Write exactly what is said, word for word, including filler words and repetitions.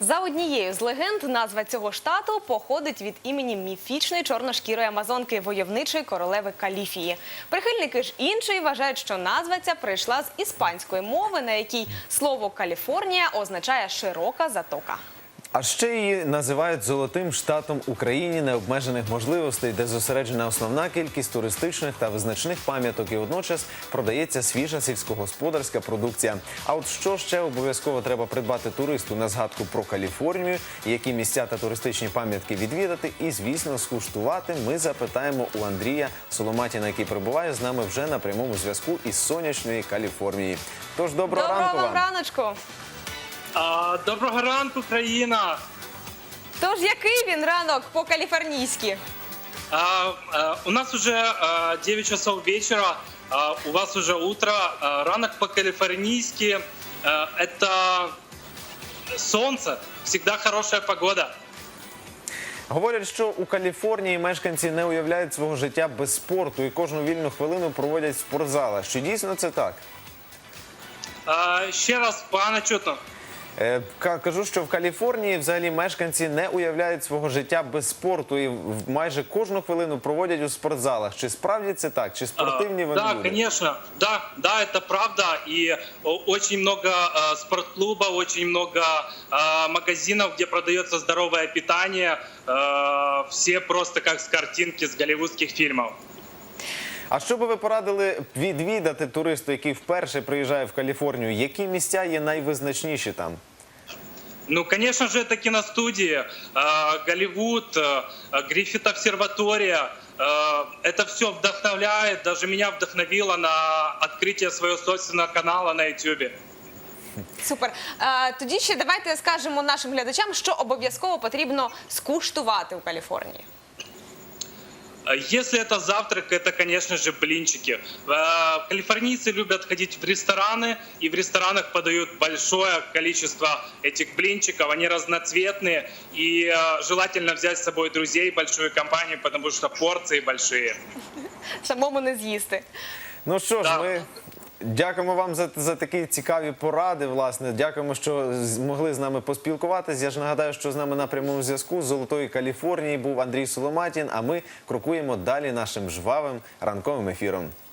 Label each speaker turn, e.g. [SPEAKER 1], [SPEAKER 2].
[SPEAKER 1] За однією з легенд, назва цього штату походить від імені міфічної чорношкірої амазонки, войовничої королеви Каліфії. Прихильники ж іншої вважають, що назва ця прийшла з іспанської мови, на якій слово «Каліфорнія» означає «широка затока».
[SPEAKER 2] А ще її називають «золотим штатом Україні необмежених можливостей», де зосереджена основна кількість туристичних та визначних пам'яток і водночас продається свіжа сільськогосподарська продукція. А от що ще обов'язково треба придбати туристу на згадку про Каліфорнію, які місця та туристичні пам'ятки відвідати і, звісно, скуштувати, ми запитаємо у Андрія Соломатіна, який перебуває з нами вже на прямому зв'язку із сонячної Каліфорнії. Тож, доброго ранку вам!
[SPEAKER 1] Доброго раночку!
[SPEAKER 3] А, доброго ранку, країна!
[SPEAKER 1] Тож, який він ранок по-каліфорнійськи?
[SPEAKER 3] А, а, у нас уже а, девять часов вечера, а, у вас уже утро. А, ранок по-калифорнийски а, – это солнце, всегда хорошая погода.
[SPEAKER 2] Говорять, що у Каліфорнії мешканці не уявляють свого життя без спорту і кожну вільну хвилину проводять в спортзалах. Чи дійсно це так?
[SPEAKER 3] А, ще раз, погано чутно.
[SPEAKER 2] Е, Кажу, що в Каліфорнії взагалі мешканці не уявляють свого життя без спорту і в- майже кожну хвилину проводять у спортзалах. Чи справді це так? Чи спортивні вони
[SPEAKER 3] Да,
[SPEAKER 2] люди?
[SPEAKER 3] конечно, да, да, это правда. И о, очень много э, спортклубов, очень много э, магазинов, где продается здоровое питание. Э, все просто как с картинки с голливудских фильмов.
[SPEAKER 2] А що би ви порадили відвідати туристу, який вперше приїжджає в Каліфорнію? Які місця є найвизначніші там?
[SPEAKER 3] Ну, конечно же, это киностудии, э, Голливуд, э, Гриффит обсерватория. Э, это все вдохновляет, даже меня вдохновило на открытие своего собственного канала на YouTube.
[SPEAKER 1] Супер. Е, Тоді ще давайте скажемо нашим глядачам, що обов'язково потрібно скуштувати у Каліфорнії.
[SPEAKER 3] Если это завтрак, это, конечно же, блинчики. Э, Калифорнийцы любят ходить в рестораны, и в ресторанах подают большое количество этих блинчиков. Они разноцветные, и э, желательно взять с собой друзей, большую компанию, потому что порции большие.
[SPEAKER 1] Самому не з'їсти.
[SPEAKER 2] Ну що ж,
[SPEAKER 3] Да.
[SPEAKER 2] ми дякуємо вам за, за такі цікаві поради, власне. Дякуємо, що змогли з нами поспілкуватись. Я ж нагадаю, що з нами на прямому зв'язку з Золотої Каліфорнії був Андрій Соломатін, а ми крокуємо далі нашим жвавим ранковим ефіром.